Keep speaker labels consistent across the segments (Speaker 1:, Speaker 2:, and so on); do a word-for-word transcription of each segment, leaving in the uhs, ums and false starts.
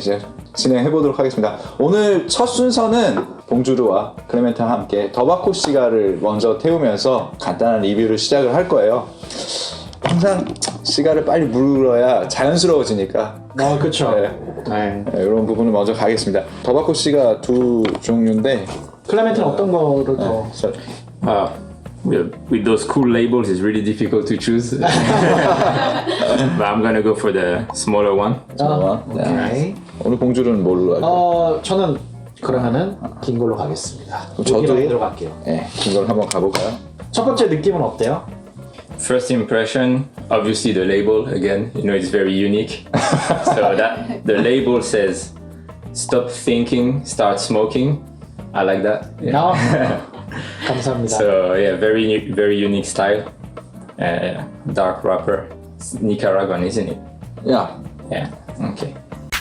Speaker 1: 이제 진행해 보도록 하겠습니다. 오늘 첫 순서는 봉주르와 클레멘트와 함께 더바코 시가를 먼저 태우면서 간단한 리뷰를 시작을 할 거예요. 항상 시가를 빨리 물어야 자연스러워지니까.
Speaker 2: 아, 그렇죠.
Speaker 1: 네.
Speaker 2: 네.
Speaker 1: 네, 이런 부분을 먼저 가겠습니다. 더바코 시가 두 종류인데
Speaker 2: 클레멘트는 어떤 거를 더?
Speaker 1: 자,
Speaker 3: Uh, with, with those cool labels, it's really difficult to choose. But I'm gonna go for the smaller one.
Speaker 2: 아,
Speaker 1: 네.
Speaker 2: 오케이.
Speaker 1: 오늘 봉주르는 뭘로 할까요?
Speaker 2: 어, 저는 그러면은 긴 걸로 가겠습니다.
Speaker 1: 저도-
Speaker 2: 여기로 여기로 갈게요.
Speaker 1: 네, 긴 걸 한번 가볼까요?
Speaker 2: 첫 번째 느낌은 어때요?
Speaker 3: First impression, obviously the label again, you know, it's very unique. So that the label says, "Stop thinking, start smoking." I like that. Yeah.
Speaker 2: 아, 감사합니다.
Speaker 3: So yeah, very u- very unique style. Uh, dark wrapper, Nicaraguan, isn't it?
Speaker 1: 야,
Speaker 3: Yeah. Okay.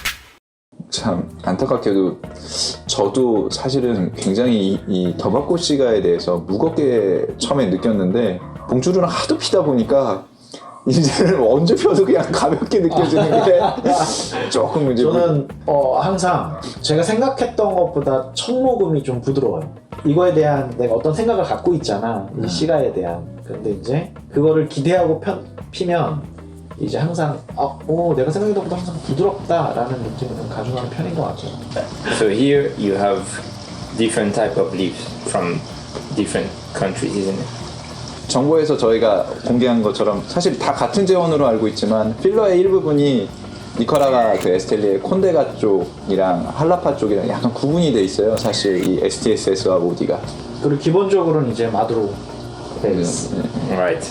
Speaker 1: 참 안타깝게도 저도 사실은 굉장히 이, 이 더바코 시가에 대해서 무겁게 처음에 느꼈는데 봉주르랑 하도 피다 보니까 이제는 언제 펴도 그냥 가볍게 느껴지는 게 조금 이제
Speaker 2: 저는 어, 항상 제가 생각했던 것보다 첫 모금이 좀 부드러워요. 이거에 대한 내가 어떤 생각을 갖고 있잖아. 이 시가에 대한. 근데 이제 그거를 기대하고 편, 피면 이제 항상 아, 오, 내가 생각했던 것보다 항상 부드럽다라는 느낌을 좀 가져가는 편인 것 같아요.
Speaker 3: So here you have different type of leaves from different countries, isn't it?
Speaker 1: 정보에서 저희가 공개한 것처럼 사실 다 같은 재원으로 알고 있지만 필러의 일부분이 니카라가 그 에스텔리의 콘데가 쪽이랑 할라파 쪽이랑 약간 구분이 돼 있어요. 사실 이 에스티에스에스와 모디가.
Speaker 2: 그리고 기본적으로는 이제 마두로 베이스.
Speaker 3: Right.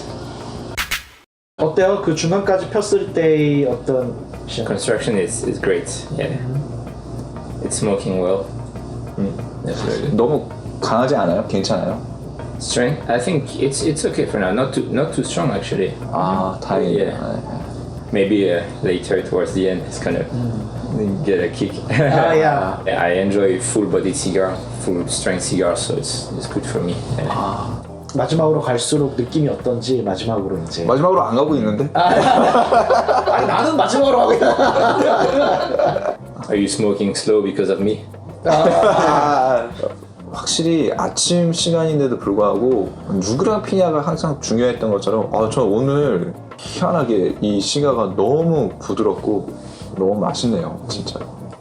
Speaker 2: 어때요? 그 중간까지 폈을 때의 어떤
Speaker 3: Construction is, is great. Yeah. It's smoking well. That's very good.
Speaker 1: 너무 강하지 않아요? 괜찮아요?
Speaker 3: Strength? I think it's it's okay for now. Not too not too strong actually.
Speaker 1: 아, 다행이다.
Speaker 3: Yeah. Maybe uh, later towards the end it's gonna get a kick.
Speaker 2: 아, 야.
Speaker 3: Yeah, I enjoy full body cigar, full strength cigar, so it's it's good for me. Yeah.
Speaker 2: 마지막으로 갈수록 느낌이 어떤지 마지막으로 이제
Speaker 1: 마지막으로 안 가고 있는데?
Speaker 2: 아니 나는 마지막으로 가고 있다.
Speaker 3: Are you smoking slow because of me?
Speaker 1: 아, 확실히 아침 시간인데도 불구하고 누구랑 피냐가 항상 중요했던 것처럼 아, 저 오늘 희한하게 이 시가가 너무 부드럽고 너무 맛있네요, 진짜.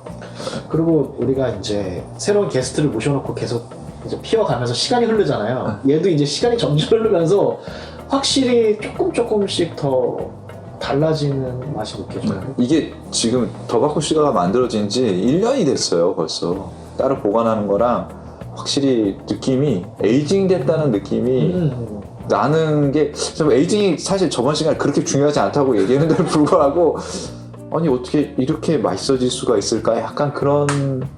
Speaker 2: 그리고 우리가 이제 새로운 게스트를 모셔놓고 계속 이제 피어가면서 시간이 흐르잖아요. 얘도 이제 시간이 점점 흐르면서 확실히 조금 조금씩 더 달라지는 맛이 느껴져요.
Speaker 1: 이게 지금 더바코 시가가 만들어진 지 일 년이 됐어요, 벌써. 따로 보관하는 거랑 확실히 느낌이 에이징 됐다는 느낌이
Speaker 2: 음.
Speaker 1: 나는 게 에이징이 사실 저번 시간에 그렇게 중요하지 않다고 얘기했는데도 불구하고 아니 어떻게 이렇게 맛있어질 수가 있을까 약간 그런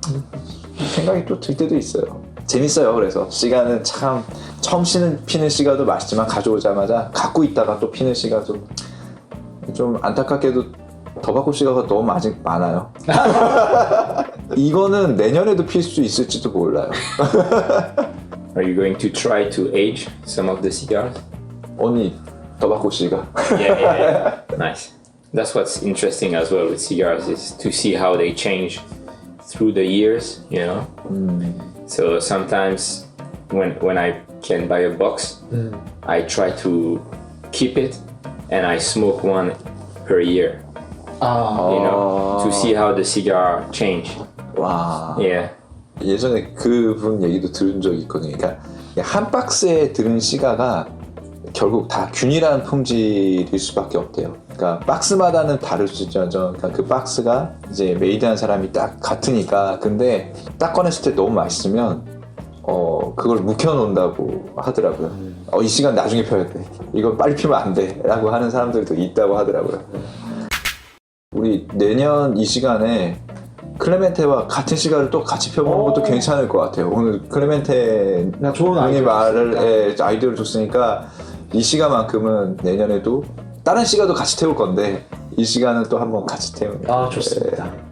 Speaker 1: 생각이 또 들 때도 있어요. 재밌어요. 그래서 시가는 참 처음 피는, 피는 시가도 맛있지만 가져오자마자 갖고 있다가 또 피는 시가도 좀 안타깝게도 더바코 시가가 너무 아직 많아요. 이거는 내년에도 필 수 있을지도 몰라요.
Speaker 3: Are you going to try to age some of the cigars?
Speaker 1: 언니 더바코 시가.
Speaker 3: Yeah, yeah, yeah. Nice. That's what's interesting as well with cigars is to see how they change through the years, you know. So sometimes when when I can buy a box, I try to keep it and I smoke one per year,
Speaker 2: 아,
Speaker 3: you know, to see how the cigar change.
Speaker 1: 와.
Speaker 3: Yeah.
Speaker 1: 예전에 그분 얘기도 들은 적이 있거든요. 그러니까 한 박스에 들은 시가가 결국 다 균일한 품질일 수밖에 없대요. 그러니까 박스마다는 다를 수 있죠. 그러니까 그 박스가 이제 메이드한 사람이 딱 같으니까. 근데 딱 꺼냈을 때 너무 맛있으면 어 그걸 묵혀놓는다고 하더라고요. 어, 이 시간 나중에 펴야 돼. 이건 빨리 피면 안 돼. 라고 하는 사람들도 있다고 하더라고요. 우리 내년 이 시간에 클레멘테와 같은 시간을 또 같이 펴보는 것도 괜찮을 것 같아요. 오늘 클레멘테
Speaker 2: 나 좋은
Speaker 1: 분이
Speaker 2: 아이디어
Speaker 1: 말을 예, 아이디어를 줬으니까 이 시간만큼은 내년에도 다른 시간도 같이 태울 건데 이 시간은 또 한번 같이 태우는.
Speaker 2: 아 좋습니다.